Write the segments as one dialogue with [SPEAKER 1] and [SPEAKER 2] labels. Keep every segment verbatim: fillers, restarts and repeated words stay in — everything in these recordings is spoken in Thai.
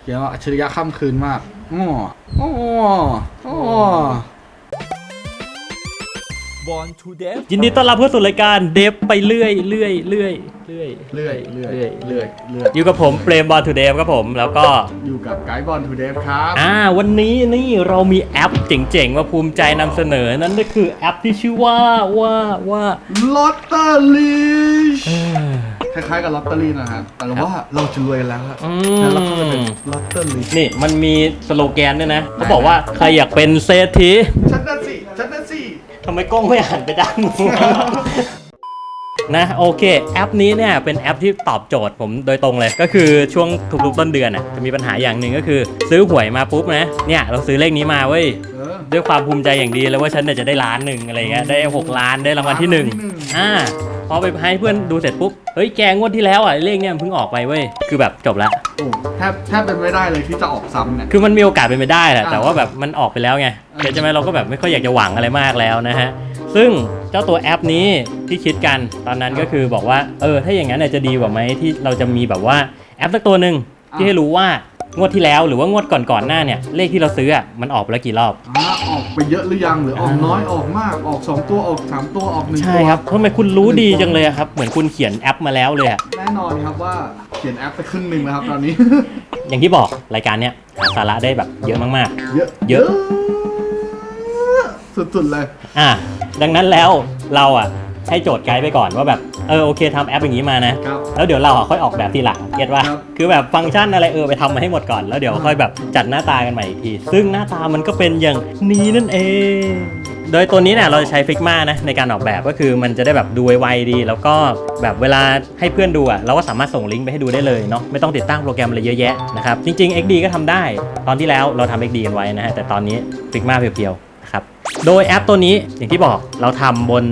[SPEAKER 1] เขียนว่าอัจฉริยะค่ำคืนมากอ๋ออ๋ออ๋อ
[SPEAKER 2] ยินดีต้อนรับเข้าสู่รายการเดฟไปเรื่อยเรื่อยเรื่อยเรื่อย
[SPEAKER 1] เรื่อยเรื่อยเรื่อยเรื่อยเรื่อย
[SPEAKER 2] อยู่กับผมเปรมบอลทูเดฟครับผมแล้วก็
[SPEAKER 1] อยู่กับไกด์บอลทูเดฟครับ
[SPEAKER 2] อ่าวันนี้นี่เรามีแอปเจ๋งๆมาภูมิใจนำเสนอนั่นก็คือแอปที่ชื่อว่าว่าว่า
[SPEAKER 1] ลอตเตอรี่คล้ายๆกับลอตเตอรี่นะฮะแต่ว่าเราจะรวยกันแล้วครับแล้วเราก็จะเป็นลอตเตอรี่
[SPEAKER 2] นี่มันมีสโลแกนด้วยนะเขาบอกว่าใครอยากเป็นเศรษฐี
[SPEAKER 1] ฉันนั่นสิฉันนั่นสิ
[SPEAKER 2] ทำไมกล้องไม่หันไปด้านนู้น นะโอเคแอปนี้เนี่ยเป็นแอปที่ตอบโจทย์ผมโดยตรงเลยก็คือช่วงทุกๆต้นเดือนอ่ะจะมีปัญหาอย่างหนึ่งก็คือซื้อหวยมาปุ๊บนะเนี่ยเราซื้อเลขนี้มาเว้ยด้วยความภูมิใจอย่างดีเลยว่าฉันเนี่ยจะได้ล้านหนึ่งอะไรเงี้ยได้หกล้านได้รางวัลที่หนึ่งอ่าพอไปให้เพื่อนดูเสร็จปุ๊บเฮ้ยแกงวดที่แล้วอ่ะเลขเนี่ยเพิ่งออกไปเว้ยคือแบบจบละ
[SPEAKER 1] โอ้แทบแทบเป็นไม่ได้เลยที่จะออกซ้ำเนี่ย
[SPEAKER 2] คือมันมีโอกาสเป็นไปได้แหละแต่ว่าแบบมันออกไปแล้วไงใช่ไหมเราก็แบบไม่ค่อยอยากจะหวังอะไรมากแล้วนะฮะซึ่งเจ้าตัวแอปนี้ที่คิดกันตอนนั้นก็คือบอกว่าเออถ้าอย่างนั้นเนี่ยจะดีกว่าไหมที่เราจะมีแบบว่าแอปสักตัวหนึ่งที่ให้รู้ว่างวดที่แล้วหรือว่างวดก่อนๆหน้าเนี่ยเลขที่เราซื้ออ่ะมันออกไปแล้วกี่รอบ
[SPEAKER 1] อ่าออกไปเยอะหรือยังหรือออกน้อยออกมากออกสองตัวออกสามตัวออกหนึ่งตัว
[SPEAKER 2] ใช่ครับทำไมคุณรู้ดีจังเลยครับเหมือนคุณเขียนแอปมาแล้วเลยอะ
[SPEAKER 1] แน่นอนครับว่าเขียนแอปไปครึ่งหนึ่งแล้วครับตอนนี้
[SPEAKER 2] อย่างที่บอกรายการเนี้ยหาสาระได้แบบเยอะมากๆ
[SPEAKER 1] เยอะ
[SPEAKER 2] เยอะ
[SPEAKER 1] สุดๆเลย
[SPEAKER 2] อ่ะดังนั้นแล้วเราอ่ะให้โจทย์ไกด์ไปก่อนว่าแบบเออโอเคทำแอปอย่างนี้มานะครับ แล้วเดี๋ยวเราอ่ะค่อยออกแบบทีหลังเก็ตว่า
[SPEAKER 1] ครับ
[SPEAKER 2] คือแบบฟังก์ชันอะไรเออไปทำมาให้หมดก่อนแล้วเดี๋ยวค่อยแบบจัดหน้าตากันใหม่อีกทีซึ่งหน้าตามันก็เป็นอย่างนี้นั่นเองโดยตัวนี้เนี่ยเราจะใช้ Figma นะในการออกแบบก็คือมันจะได้แบบดูไวๆดีแล้วก็แบบเวลาให้เพื่อนดูอ่ะเราก็สามารถส่งลิงก์ไปให้ดูได้เลยเนาะไม่ต้องติดตั้งโปรแกรมอะไรเยอะแยะนะครับจริงๆ เอ็กซ์ ดี ก็ทำได้ตอนที่แล้วเราทำ เอ็กซ์ ดี กันไว้นะฮะแต่ตอนนี้ Figma เพียวๆครับโดยแอปตัวนี้อย่างที่บอกเราทำบน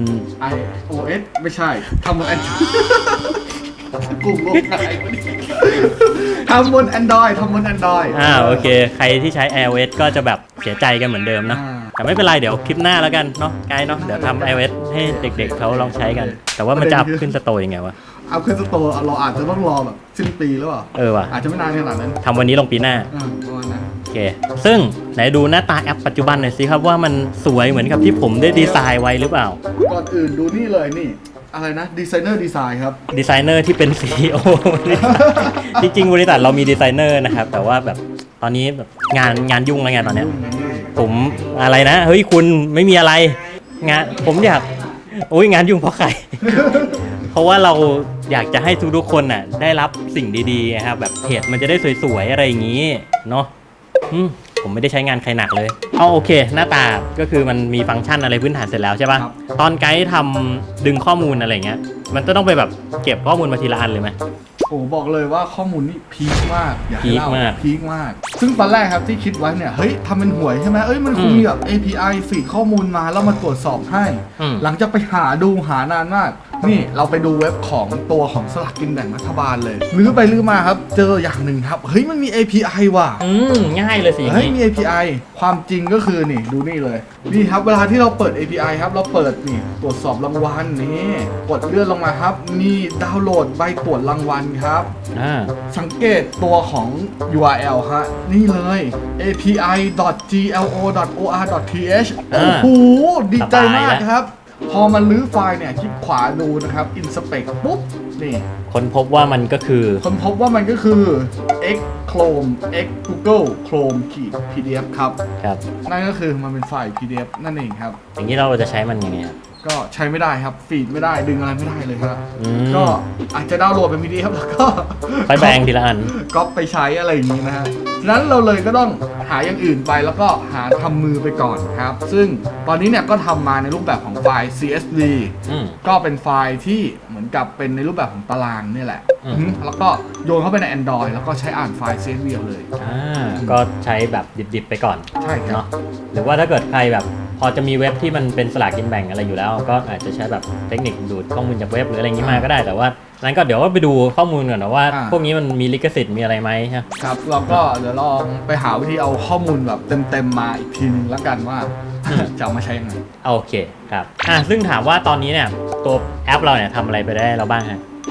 [SPEAKER 1] iOS ไม่ใช่ทำบน Android กลุ่มโลกไหนทำบน Android ทำบน Android
[SPEAKER 2] อ่าโอเคใครที่ใช้ iOS ก็จะแบบเสียใจกันเหมือนเดิมเนาะ
[SPEAKER 1] อ่า
[SPEAKER 2] แต่ไม่เป็นไรเดี๋ยวคลิปหน้าแล้วกันเนาะไกด์เนาะเดี๋ยวทำ iOS ให้เด็กๆเขาลองใช้กัน แต่ว่ามันจะอัพขึ้นสโตร์ยังไงวะ
[SPEAKER 1] เอาขึ้นสโตร์เราอาจจะต้องรอแบบสิ้นปีหรือเปล่า
[SPEAKER 2] เออว่ะ
[SPEAKER 1] อาจจะไม่นานขนาดนั้น
[SPEAKER 2] ทำวันนี้ลงปีหน้า
[SPEAKER 1] อ่าประมาณนั้น
[SPEAKER 2] โอเคซึ่งไหนดูหน้าตาแอปปัจจุบันหน่อยสิครับว่ามันสวยเหมือนกับที่ผมได้ดีไซน์ไว้หรือเปล่า
[SPEAKER 1] ก่อนอื่นดูนี่เลยนี่ อะไรนะดีไซเนอร์ดีไซน์ครับ
[SPEAKER 2] ดีไซเนอร์ที่เป็น ซี อี โอ จริงๆบริษัทเรามีดีไซเนอร์นะครับแต่ว่าแบบตอนนี้แบบงานงานยุ่งแล้วไงตอนเนี้ยผมอะไรนะเฮ้ยคุณไม่มีอะไรงานผมอยากโอ้ยงานยุ่งเพราะใคร เพราะว่าเราอยากจะให้ทุกๆคนน่ะได้รับสิ่งดีๆนะครับแบบเพจมันจะได้สวยๆอะไรอย่างนี้เนาะอืมผมไม่ได้ใช้งานใครหนักเลยเอาโอเคหน้าตาก็คือมันมีฟังก์ชันอะไรพื้นฐานเสร็จแล้วใช่ป่ะตอนไกด์ทำดึงข้อมูลอะไรเงี้ยมันจะต้องไปแบบเก็บข้อมูลมาทีละอันเลยไหม
[SPEAKER 1] โอ้บอกเลยว่าข้อมูลนี่พีคมากอยากให้
[SPEAKER 2] พีค
[SPEAKER 1] เล่าม
[SPEAKER 2] าก
[SPEAKER 1] พีคมาก ซึ่งตอนแรกครับที่คิดไว้เนี่ยเฮ้ยทำเป็นหวยใช่ไหมเอ้ยมันคงมีแบบ เอ พี ไอ ฟีดข้อมูลมาแล้วมาตรวจสอบให้
[SPEAKER 2] อืม
[SPEAKER 1] หลังจากไปหาดูหานานมาก นี่เราไปดูเว็บของตัวของสลากกินแบ่งรัฐบาลเลยลื้อไปลื้อมาครับเจออย่างหนึ่งครับเฮ้ยมันมี เอ พี ไอ ว่ะ
[SPEAKER 2] อืมง่ายเลยสิอย่าง
[SPEAKER 1] เฮ้ย
[SPEAKER 2] นี้
[SPEAKER 1] มี เอ พี ไอ ความจริงก็คือนี่ดูนี่เลยนี่ครับเวลาที่เราเปิด เอ พี ไอ ครับเราเปิดนี่ตรวจสอบรางวัลนี่กดเลื่อนลงมาครับมีดาวน์โหลดใบตรวจรางวัลครับ
[SPEAKER 2] อ่า
[SPEAKER 1] สังเกตตัวของ ยู อาร์ แอล ฮะนี่เลย เอ พี ไอ ดอท จี แอล โอ ดอท โอ อาร์ ดอท ที เอช โอ้โหดีใจมากครับ พอมันลื้อไฟล์เนี่ยคลิกขวาดูนะครับ inspect ปุ๊บนี่
[SPEAKER 2] คนพบว่ามันก็คือ
[SPEAKER 1] คนพบว่ามันก็คือ x chrome x google chrome ขีด พี ดี เอฟ ครับ
[SPEAKER 2] ครับ
[SPEAKER 1] นั่นก็คือมันเป็นไฟล์ พี ดี เอฟ นั่นเองครับ
[SPEAKER 2] อย่างนี้เราจะใช้มันยังไงครับ
[SPEAKER 1] ก็ใช้ไม่ได้ครับฟีดไม่ได้ดึงอะไรไม่ได้เลยครับ
[SPEAKER 2] อืม
[SPEAKER 1] ก็อาจจะดาวน์โหลดเป็น พี ดี เอฟ แล้วก็
[SPEAKER 2] ไปแบ่งทีละอัน
[SPEAKER 1] ก๊อปไปใช้อะไรอย่างนี้นะฮะฉะนั้นเราเลยก็ต้องหาอย่างอื่นไปแล้วก็หาทำมือไปก่อนครับ ซึ่งตอนนี้เนี่ยก็ทำมาในรูปแบบของไฟล์ ซี เอส วี
[SPEAKER 2] อืม
[SPEAKER 1] ก็เป็นไฟล์ที่เหมือนกับเป็นในรูปแบบของตารางนี่แหละ
[SPEAKER 2] อืม
[SPEAKER 1] อืมแล้วก็โยนเข้าไปใน Android แล้วก็ใช้อ่านไฟล์ ซี เอส วี เอาเลย
[SPEAKER 2] อ่าก็ใช้แบบดิบๆไปก่อน
[SPEAKER 1] ใช่ครับ
[SPEAKER 2] เนาะหรือว่าถ้าเกิดใครแบบพอจะมีเว็บที่มันเป็นสลากกินแบ่งอะไรอยู่แล้ว ก็อาจจะใช้แบบเทคนิคดูดข้อมูลจากเว็บหรืออะไรอย่างนี้มาก็ได้แต่ว่านั้นก็เดี๋ยวว่าไปดูข้อมูลก่อนนะว่า
[SPEAKER 1] อ่า
[SPEAKER 2] พวกนี้มันมีลิขสิทธิ์มีอะไรไหมฮะ
[SPEAKER 1] ครับเราก็เดี๋ยวลองไปหาวิธีเอาข้อมูลแบบเต็มๆมาอีกทีนึงแล้วกันว่า จะเอามาใช้ยังไง
[SPEAKER 2] โอเคครับอ่าซึ่งถามว่าตอนนี้เนี่ยตัวแอปเราเนี่ยทำอะไรไปได้แล้วบ้างฮะ
[SPEAKER 1] ต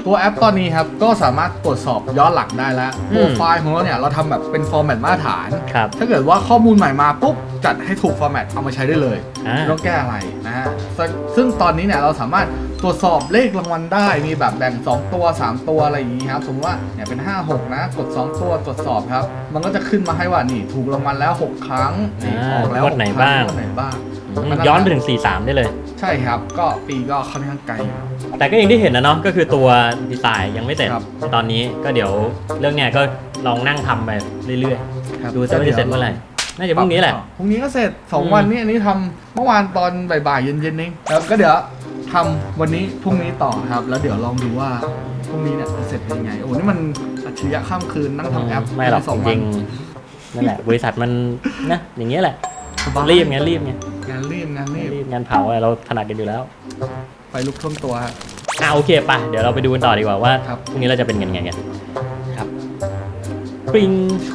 [SPEAKER 1] ตัวแอปตอนนี้ครับก็สามารถตรวจสอบย้อนหลังได้แล้ว
[SPEAKER 2] อืม
[SPEAKER 1] โปรไฟล์ของเราเนี่ยเราทำแบบเป็นฟอร์แมตมาตรฐาน
[SPEAKER 2] ครับ
[SPEAKER 1] ถ้าเกิดว่าข้อมูลใหม่มาปุ๊บจัดให้ถูกฟอร์แมตเอามาใช้ได้เลย
[SPEAKER 2] อ่า
[SPEAKER 1] ไม่ต้องแก้อะไรนะฮะซึ่งซึ่งตอนนี้เนี่ยเราสามารถตรวจสอบเลขรางวัลได้มีแบบแบ่งสองตัวสามตัวอะไรอย่างนี้ครับสมมติว่าเนี่ยเป็นห้า หกนะกดสองตัวตรวจสอบครับมันก็จะขึ้นมาให้ว่านี่ถูกรางวัลแล้วหกครั้งนี่
[SPEAKER 2] อ่า
[SPEAKER 1] ออกแล้ว
[SPEAKER 2] งวดไหน
[SPEAKER 1] กครั้
[SPEAKER 2] บ้าง
[SPEAKER 1] งวดไหนบ้าง
[SPEAKER 2] อืมย้อนไปถึงสี่สามได้เลย
[SPEAKER 1] ใช่ครับก็ปีก็ค่อนข้างไกลอยู่
[SPEAKER 2] แต่ก็อย่างที่เห็นนะเนาะก็คือตัวดีไซน์ยังไม่เสร็จ
[SPEAKER 1] ครับ
[SPEAKER 2] ในตอนนี้ก็เดี๋ยวเรื่องเนี้ยก็ลองนั่งทำไปเรื่อย
[SPEAKER 1] ครับ
[SPEAKER 2] ๆ ดูจะไม่าจะเสร็จเมื่อไหร่น่าจะพรุ่งนี้แหละ
[SPEAKER 1] พรุ่งนี้ก็เสร็จสอง
[SPEAKER 2] อืม
[SPEAKER 1] วันนี้อันนี้ทำเมื่อวานตอนบ่ายๆเย็นๆเองครับก็เดี๋ยวทำวันนี้พรุ่งนี้ต่อครับ แล้วเดี๋ยวลองดูว่าพรุ่งนี้เนี่ยจะเสร็จยังไงโอ้นี่มันอัจฉริยะข้ามคืนนั่งทำแอป
[SPEAKER 2] ไม่หรอก
[SPEAKER 1] ในส
[SPEAKER 2] จ
[SPEAKER 1] องวั
[SPEAKER 2] ริ
[SPEAKER 1] น
[SPEAKER 2] งๆนั่นแหละบริษัทมันนะอย่างเงี้ยแหละ
[SPEAKER 1] สบาย
[SPEAKER 2] รีบไงรีบไง
[SPEAKER 1] งานรีบงานรีบ
[SPEAKER 2] รีบงานเผาอะไรเราถนัดกันอยู่แล้ว
[SPEAKER 1] ไฟลุกท่วมตัวฮะ
[SPEAKER 2] อ่ะโอเคป่ะเดี๋ยวเราไปดูกันต่อดีกว่าว่า
[SPEAKER 1] ครับ
[SPEAKER 2] พรุ่งนี้เราจะเป็นยังไงกันครับปริง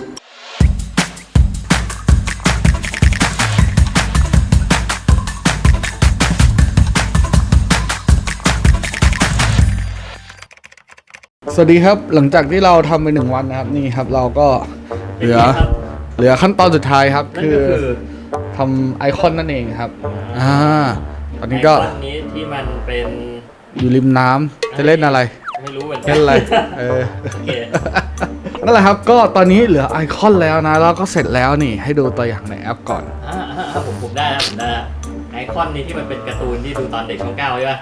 [SPEAKER 1] สวัสดีครับหลังจากที่เราทำไปหนึ่งวันนะครับนี่ครับเราก็เหลือเหลือขั้นตอนสุดท้ายครับ
[SPEAKER 2] นั่น
[SPEAKER 1] คือ
[SPEAKER 2] ก็คือ
[SPEAKER 1] ทำไอคอนนั่นเองครับอ่าตอนนี้ก็
[SPEAKER 2] ไอคอนนี้ที่มันเป็น
[SPEAKER 1] อยู่ริมน้ำจะเล่นอะไร
[SPEAKER 2] ไม่รู้เหมือนกั
[SPEAKER 1] เล่นอะไรเออ
[SPEAKER 2] โอเค
[SPEAKER 1] นั่นแหละครับก็ตอนนี้เหลือไอคอนแล้วนะแล้วก็เสร็จแล้วนี่ให้ดูตัวอย่างในแอปก่อน
[SPEAKER 2] อ่าอ่าอ่าผมผมได้แล้วผมได้แล้วไอคอนนี้ที่มันเป็นการ์ตูนที่ดูตอนเด็กช่องเก้าใช่ป่ะ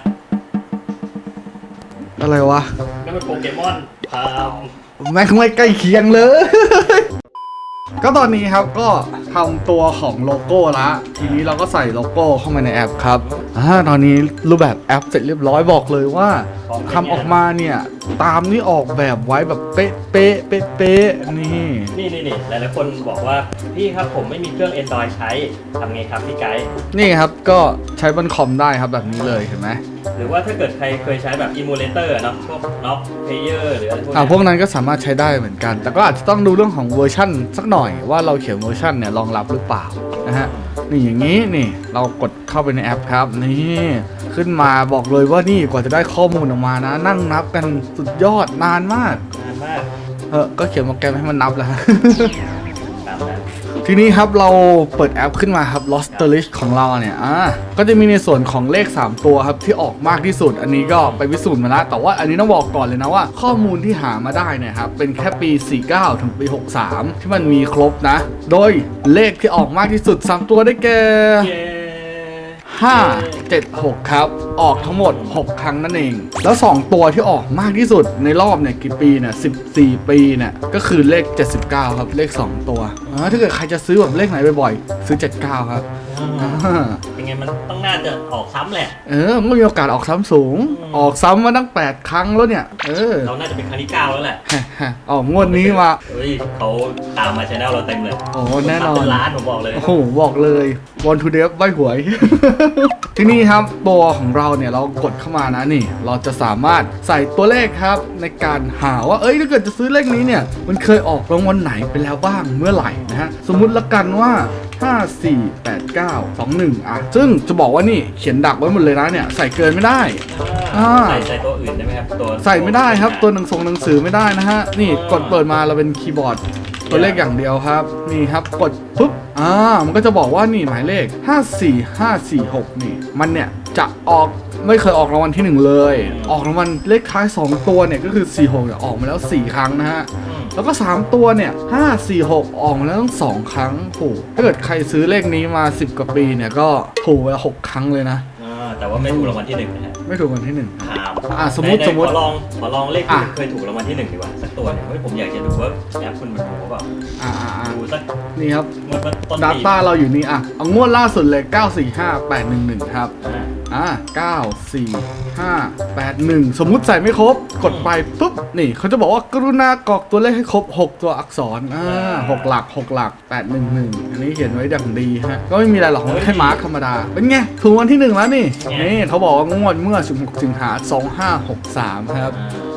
[SPEAKER 1] อะไรวะ
[SPEAKER 2] ก็เป็นโปเกมอนพาม
[SPEAKER 1] แม่งไม่ใกล้เคียงเลย ก็ตอนนี้ครับก็ทำตัวของโลโก้ละทีนี้เราก็ใส่โลโก้เข้ามาในแอปครับอ่าตอนนี้รูปแบบแอปเสร็จเรียบร้อยบอกเลยว่าทำออกมาเนี่ยตามที่ออกแบบไว้แบบเป๊ะเป๊ะเป๊ะเป๊ะนี่
[SPEAKER 2] นี่นี่นี่หลายๆคนบอกว่าพี่ครับผมไม่มีเครื่อง Android ใช้ทำไงครับพี่ไกด์
[SPEAKER 1] นี่ครับก็ใช้บนคอมได้ครับแบบนี้เลยเห็นไหม
[SPEAKER 2] หรือว่าถ้าเกิดใครเคยใช้แบบ emulator เนอะพวก น็อก Player หรืออะไรพวก
[SPEAKER 1] อ่า
[SPEAKER 2] เนี้ย
[SPEAKER 1] พวกนั้นก็สามารถใช้ได้เหมือนกัน แต่ก็อาจจะต้องดูเรื่องของเวอร์ชั่นสักหน่อยว่าเราเขียนเวอร์ชันเนี่ยรองรับหรือเปล่านะฮะนี่อย่างนี้นี่เรากดเข้าไปในแอปครับนี่ขึ้นมาบอกเลยว่านี่กว่าจะได้ข้อมูลออกมานะ นั่งนับกันสุดยอดนานมาก
[SPEAKER 2] นานมาก
[SPEAKER 1] เออก็เขียนโปรแกรมให้มันนับแล้วฮะ
[SPEAKER 2] ตามนั้น
[SPEAKER 1] ทีนี้ครับเราเปิดแอปขึ้นมาครับ Lost List ของเราเนี่ยอ่าก็จะมีในส่วนของเลขสามตัวครับที่ออกมากที่สุด อันนี้ก็ไปพิสูจน์มาแล้วแต่ว่าอันนี้ต้องบอกก่อนเลยนะว่า ข้อมูลที่หามาได้เนี่ยครับเป็นแค่ปีสี่สิบเก้าถึงปีหกสิบสามที่มันมีครบนะ โดยเลขที่ออกมากที่สุดสามตัวได้แก่
[SPEAKER 2] เย้
[SPEAKER 1] ห้า เจ็ด หกครับออกทั้งหมดหกครั้งนั่นเอง แล้วสองตัวที่ออกมากที่สุดในรอบเนี่ยกี่ปีเนี่ยสิบสี่ปีเนี่ยก็คือเลขเจ็ดสิบเก้าครับเลขสองตัวอ่าถ้าเกิดใครจะซื้อแบบเลขไหนบ่อยๆซื้อเจ็ดสิบเก้าครับ
[SPEAKER 2] อ่า
[SPEAKER 1] อ่า
[SPEAKER 2] เป็นไงมันต้องน่าจะออกซ้ำแหละ
[SPEAKER 1] เออมันก็มีโอกาสออกซ้ำสูง
[SPEAKER 2] อืม
[SPEAKER 1] ออกซ้ำมาตั้งแปดครั้งแล้วเนี่ยเออ
[SPEAKER 2] เราน่าจะเป็นครั้งที่เก้าแล้วแหละ
[SPEAKER 1] ออกงวดนี้มา
[SPEAKER 2] เฮ้ยเขาตามมาชแนลเราเต็มเลย
[SPEAKER 1] โอ้แน่นอน
[SPEAKER 2] เป็นล้านผมบอกเลย
[SPEAKER 1] โอ้โหบอกเลยวันทูเดฟใบหวย ที่นี่ครับตัวของเราเนี่ยเรากดเข้ามานะนี่ เราจะสามารถใส่ตัวเลขครับในการหาว่าเอ้ยถ้าเกิดจะซื้อเลขนี้เนี่ยมันเคยออกรางวัลไหนไปแล้วบ้างเมื่อไหร่นะฮะสมมุติละกันว่าห้า สี่ แปด เก้า สอง หนึ่งอ่ะซึ่งจะบอกว่านี่เขียนดักไว้หมดเลยนะเนี่ยใส่เกินไม่ได้
[SPEAKER 2] อ่า
[SPEAKER 1] อ่า
[SPEAKER 2] ใส่ใส่ตัวอื่นได้ไหมครับตัว
[SPEAKER 1] ใส่ไม่ได้ครับตัวหนังสงหนังสือไม่ได้นะฮะนี่กดเปิดมาเราเป็นคีย์บอร์ดตัวเลขอย่างเดียวครับนี่ครับกดปุ๊บอ่ามันก็จะบอกว่านี่หมายเลขห้า สี่ ห้า สี่ หกนี่มันเนี่ยจะออกไม่เคยออกรางวัลที่หนึ่งเลย ออกรางวัลเลขท้ายสองตัวเนี่ยก็คือสี่ หกเนี่ยออกมาแล้วสี่ครั้งนะฮะ
[SPEAKER 2] อืม
[SPEAKER 1] แล้วก็สามตัวเนี่ยห้า สี่ หกออกมาแล้วตั้งสองครั้งโอ้โหถ้าเกิดใครซื้อเลขนี้มาสิบกว่าปีเนี่ยก็ถูกไปหกครั้งเลยนะ
[SPEAKER 2] อ่าแต่ว่าไม่ถูกรางวัลที่หนึ่งนะฮะ
[SPEAKER 1] ไม่ถูกรางวัลที่หนึ่ง
[SPEAKER 2] ครับ
[SPEAKER 1] อ่ะสมมุติ
[SPEAKER 2] ไหนๆ
[SPEAKER 1] สมมุติ
[SPEAKER 2] ขอลองขอลองเลขที่
[SPEAKER 1] อ่ะ
[SPEAKER 2] เคยถูกรางวัลที่หนึ่งดีกว่าสักตัวหนึงเฮ้ยผมอยากจะดูว่าแอปคุณมันถูกหรือเปล่า
[SPEAKER 1] อ่าอ่าอ่า
[SPEAKER 2] ดูสัก
[SPEAKER 1] นี่ครับ
[SPEAKER 2] งวดว่าต้นปี
[SPEAKER 1] Data เราอยู่นี่อ่ะ เอางวดล่าสุดเลย เก้า สี่ ห้า แปด หนึ่ง หนึ่ง ครับ
[SPEAKER 2] อ่า
[SPEAKER 1] อ่า เก้า สี่ ห้า แปด หนึ่ง สมมุติใส่ไม่ครบ กดไปปุ๊บ นี่เขาจะบอกว่ากรุณากรอกตัวเลขให้ครบ หก ตัวอักษร อ่าหกหลัก หก หลัก แปด หนึ่ง หนึ่ง อันนี้เขียนไว้ดังดีฮะ ก็ไม่มีอะไรหรอกแค่มาร์คธรรมดา เป็นไง ถูกวันที่หนึ่งแล้วนี่ นี่เขาบอกว่างวดเมื่อสิบหกสิงหาคมสองพันห้าร้อยหกสิบสามครับ
[SPEAKER 2] อ่า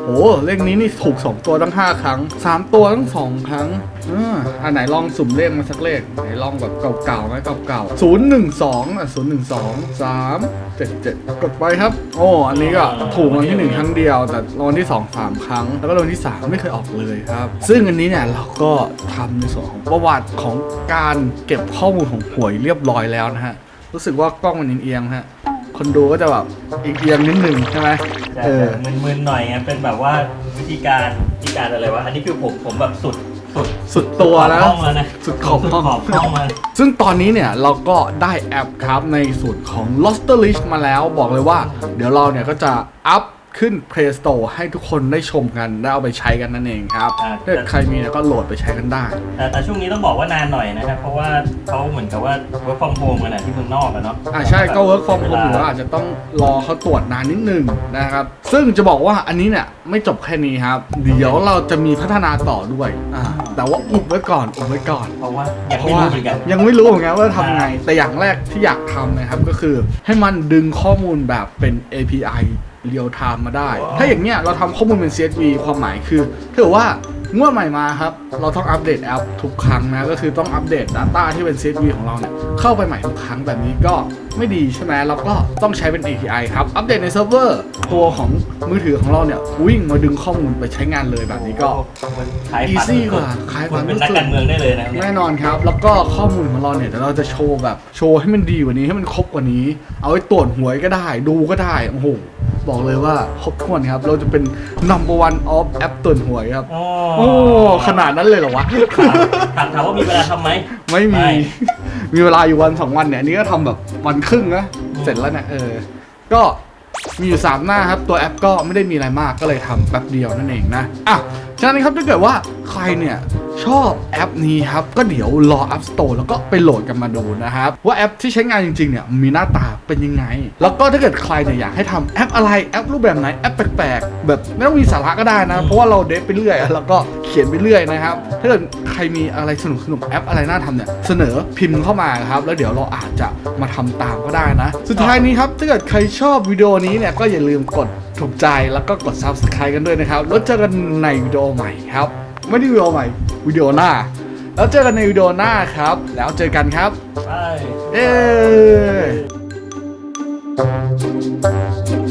[SPEAKER 1] โอ้เลขนี้นี่ถูกสองตัวตั้งห้าครั้งสามตัวตั้งสองครั้งอ่าอันไหนลองสุ่มเลขมาสักเลขไหนลองแบบเก่าๆไหมเก่าๆศูนย์หนึ่งสองอ่ะศูนย์หนึ่งสองสามเจ็ดเจ็ดกดไปครับโอ้อันนี้ก็ถูกรางวัลที่หนึ่งครั้งเดียวแต่รางวัลที่สองสามครั้งแล้วก็รางวัลที่สามไม่เคยออกเลยครับซึ่งอันนี้เนี่ยเราก็ทำในส่วนของประวัติของการเก็บข้อมูลของหวยเรียบร้อยแล้วนะฮะรู้สึกว่ากล้องมันเอียงๆฮะคนดูก็จะแบบเอียงๆนิดนึงใช่ไหม
[SPEAKER 2] จะ
[SPEAKER 1] เออ
[SPEAKER 2] มึนๆหน่อยไงเป็นแบบว่าวิธีการวิธีการอะไรวะอันนี้คือผมผมแบบสุดสุด
[SPEAKER 1] สุดตัวแล้ว
[SPEAKER 2] ขอบห้องแล้วนะ
[SPEAKER 1] สุดขอบห้อง
[SPEAKER 2] ขอบห้องมา
[SPEAKER 1] ซึ่งตอนนี้เนี่ยเราก็ได้แอปครับในส่วนของ Loster List มาแล้วบอกเลยว่า เดี๋ยวเราเนี่ยก็จะอัพขึ้น Play Store ให้ทุกคนได้ชมกันได้เอาไปใช้กันนั่นเองครับ
[SPEAKER 2] อ่า
[SPEAKER 1] ถ้าเกิดใครมีเนี่ยก็โหลดไปใช้กันได้
[SPEAKER 2] แต่แต่ช่วงนี้ต้องบอกว่านานหน่อยนะครับเพราะว่าเขาเหมือนกับว่า work from home กันนะที่เมืองนอกอะเนาะ
[SPEAKER 1] อ่าใช่ก็ work from home อยู่แล้วอาจจะต้องรอเขาตรวจนานนิดนึงนะครับ ซึ่งจะบอกว่าอันนี้เนี่ยไม่จบแค่นี้ครับ เดี๋ยวเราจะมีพัฒนาต่อด้วยอ่าแต่ว่าอุบไว้ก่อนอุบไว้ก่อน
[SPEAKER 2] เพราะว่ายัง
[SPEAKER 1] เพ
[SPEAKER 2] ไม่
[SPEAKER 1] ราะว่า
[SPEAKER 2] รู้เหมือนกัน
[SPEAKER 1] ยังไม่รู้เหมือนกันว่าทำไง แต่อย่างแรกที่อยากทำนะครับก็คือให้มันดึงข้อมูลแบบเป็น เอ พี ไอ เรียลไทม์มาได้ ถ้าอย่างเนี้ยเราทำข้อมูลเป็น ซี เอส วี ความหมายคือถ้าเกิดว่างวดใหม่มาครับเราต้องอัปเดตแอปทุกครั้งนะก็คือต้องอัปเดต Data ที่เป็น ซี เอส วี ของเราเนี่ยเข้าไปใหม่ทุกครั้งแบบนี้ก็ไม่ดีใช่ไหมเราก็ต้องใช้เป็น เอ พี ไอ ครับอัปเดตในเซิร์ฟเวอร์ตัวของมือถือของเราเนี่ยวิ่งมาดึงข้อมูลไปใช้งานเลยแบบนี้ก็
[SPEAKER 2] ขายฝัน
[SPEAKER 1] easy กว่าขายฝัน
[SPEAKER 2] เป็นนักการเมืองได้เลยนะเนี่ย
[SPEAKER 1] แน่นอนครับ แล้วก็ข้อมูลของเราเนี่ยเดี๋ยวเราจะโชว์แบบโชว์ให้มันดีกว่านี้ให้มันครบกว่านี้ เอาไว้ตรวจหวยก็ได้ดูก็ได้โอ้โหบอกเลยว่าครบถ้วนครับ เราจะเป็น number one of แอปตรวจหวยครับ
[SPEAKER 2] โอ้
[SPEAKER 1] โอ้ขนาดนั้นเลยเหรอวะ
[SPEAKER 2] ถามถามว่ามีเวลาทำไหม
[SPEAKER 1] ไม่มี
[SPEAKER 2] ไม่
[SPEAKER 1] มีเวลาอยู่วันสองวันเนี่ยอันนี้ก็ทำแบบวันครึ่งนะ
[SPEAKER 2] อืม
[SPEAKER 1] เสร็จแล้วเนี่ยเออ ก็มีอยู่สามหน้าครับ ตัวแอปก็ไม่ได้มีอะไรมากก็เลยทำแป๊บเดียวนั่นเองนะ อ่ะ ฉะนั้นครับถ้าเกิดว่าใครเนี่ยชอบแอปนี้ครับ ก็เดี๋ยวรอ App Store แล้วก็ไปโหลดกันมาดูนะครับ ว่าแอปที่ใช้งานจริงๆเนี่ยมีหน้าตาเป็นยังไง แล้วก็ถ้าเกิดใครเนี่ยอยากให้ทำแอปอะไรแอปรูปแบบไหนแอปแปลกๆแบบไม่ต้องมีสาระก็ได้นะ เพราะว่าเราเดฟไปเรื่อยแล้วก็เขียนไปเรื่อยนะครับถ้าเกิดใครมีอะไรสนุกๆแอปอะไรน่าทำเนี่ยเสนอพิมพ์เข้ามาครับแล้วเดี๋ยวเราอาจจะมาทำตามก็ได้นะ สุดท้ายนี้ครับถ้าเกิดใครชอบวิดีโอนี้เนี่ยก็อย่าลืมกดถูกใจแล้วก็กด Subscribe กันด้วยนะครับแล้วเจอกันในวิดีโอใหม่ครับไม่ได้วิดีโอใหม่วิดีโอหน้าแล้วเจอกันในวิดีโอหน้าครับแล้วเจอกันครับ
[SPEAKER 2] ไป
[SPEAKER 1] เย้